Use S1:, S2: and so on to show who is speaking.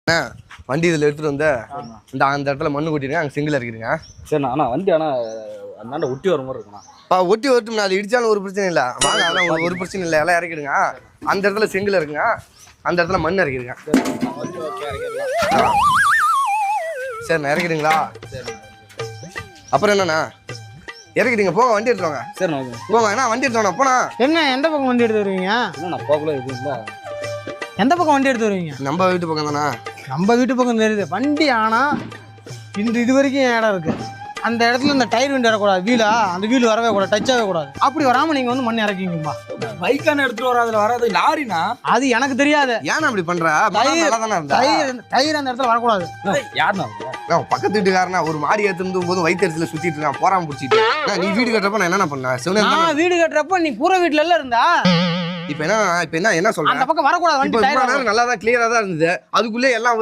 S1: வண்டி இதில் எடுத்துகிட்டு வந்து அந்த இடத்துல மண்ணு கொட்டிடுங்க, அங்கே செங்கல் இறக்கிடுங்க.
S2: சரிண்ணா. ஆனால் வண்டி அந்தாண்ட ஒட்டி வர மாதிரி இருக்குண்ணா.
S1: ஒட்டி வரட்டும், அது இடிச்சாலும் ஒரு பிரச்சனை இல்லை. வாங்க, அதெல்லாம் ஒரு பிரச்சனை இல்லை, எல்லாம் இறக்கிடுங்க. அந்த இடத்துல செங்கல் இருக்குங்க, அந்த இடத்துல மண் இறக்கிடுங்க. சரிண்ணா, இறக்கிடுங்களா? அப்புறம் என்னண்ணா இறக்கிடுங்க, போங்க, வண்டி எடுத்துவாங்க.
S2: சரிண்ணா,
S1: போங்க. என்ன வண்டி எடுத்துவாங்க போனா?
S3: என்ன எந்த பக்கம் வண்டி எடுத்து வருவீங்க?
S2: என்னண்ணா போகல எதுவும் இல்லை.
S3: எந்த பக்கம் வண்டி எடுத்து வருவீங்க?
S1: நம்ம வீட்டு பக்கம் தானே.
S3: நம்ம வீட்டு பக்கம் தெரியுது வண்டி. ஆனால் இது வரைக்கும் இடம் இருக்கு. அந்த இடத்துல இந்த டயர் வண்டி வரக்கூடாது, வீலா அந்த வீல் வரவே கூடாது, டச் ஆகவே கூடாது. அப்படி வராமல் நீங்கள் வந்து மண் இறக்கிங்கப்பா.
S2: பைக்கான எடுத்துட்டு வர அதில் வராது, லாரினா
S3: அது எனக்கு தெரியாது.
S1: ஏன்னா அப்படி பண்ற?
S3: டயர் அந்த இடத்துல வரக்கூடாது.
S2: யாருண்ணா
S1: பக்கத்து வீட்டுக்காரனா ஒரு மாடி எடுத்துட்டு போது வயிற்றுல சுத்திட்டு இருக்கான், போறாம பிடிச்சிட்டு. நீ வீடு கட்டுறப்ப நான் என்ன பண்ணேன்?
S3: நான் வீடு கட்டுறப்ப நீ பூர வீட்டுல எல்லாம் இருந்தா.
S1: இப்ப என்ன சொல்றேன்?
S3: அந்த பக்கம் வரக்கூடாது,
S1: நல்லா தான் கிளியரா தான் இருந்தது. அதுக்குள்ளே எல்லாம்